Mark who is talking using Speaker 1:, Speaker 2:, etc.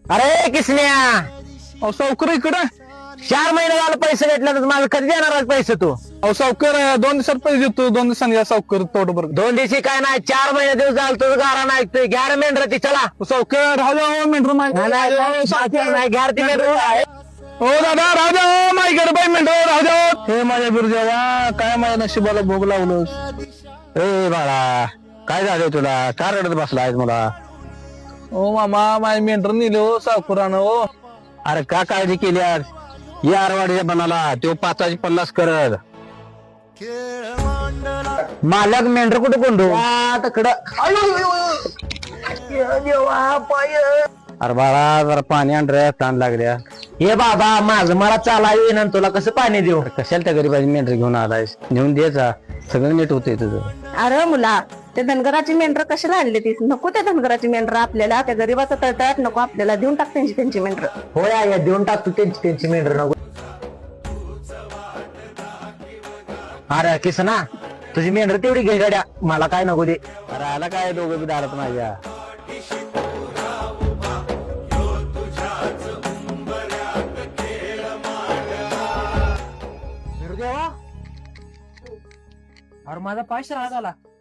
Speaker 1: अरे किसन्या,
Speaker 2: अहो सावकार इकडे.
Speaker 1: 4 महिने झालं पैसे घेतले तर माझं कधी देणार आहे पैसे तू?
Speaker 2: अहो सावकार 2 दिवसात पैसे देतो. 2 दिवसांनी या सावकार तोड बरं.
Speaker 1: 2 दिवशी काय नाही, 4 महिने दिवस झालं तुझं गारा नाही ऐकतोय. घ्या रे मेंढराची, चला.
Speaker 2: सावकार राहू द्या मेंढर
Speaker 1: नाही, घ्या रे ती मेंढरं.
Speaker 2: हो दादा राहू द्या. माझ्याकडे बाई मेंढर राहू द्या. हे माझ्या गुरुदेवा, काय माझ्या नशिबाला भोग लावलोस.
Speaker 1: ए बाळा, काय झालं तुला? का रडत बसला आहेस मला?
Speaker 2: ओ मामा, माझे मेंढर नेले हो सावकारानं हो.
Speaker 1: अरे का काळजी केली आज? या आरवाडीच्या बनाला तो 550 करत. मालक मेंढर कुठे कोंडू? अरे बाळा, जरा पाणी आण रे, ताण लागल्या. हे बाबा, माझं मला चाला येईन आणि तुला कसं पाणी देऊ? कशाला त्या गरीबाची मेंढर घेऊन आलायस? नेऊन द्यायचा, सगळं नीट होतंय तुझं.
Speaker 3: अरे मुला, त्या धनगराची मेंढर कशाला आणली ती? नको त्या धनगराची मेंढर आपल्याला. त्या गरीबाचा तळतळाट नको आपल्याला. देऊन टाक त्यांची मेंढर.
Speaker 1: होय आया, देऊन टाक तू त्यांची मेंढर नको. अरे किसना, तुझी मेंढर तेवढी घे गाड्या, मला काय नको दे. अरे आला काय, दोघं बी दारात माझ्या.
Speaker 4: अरे माझा 500 राहत आला.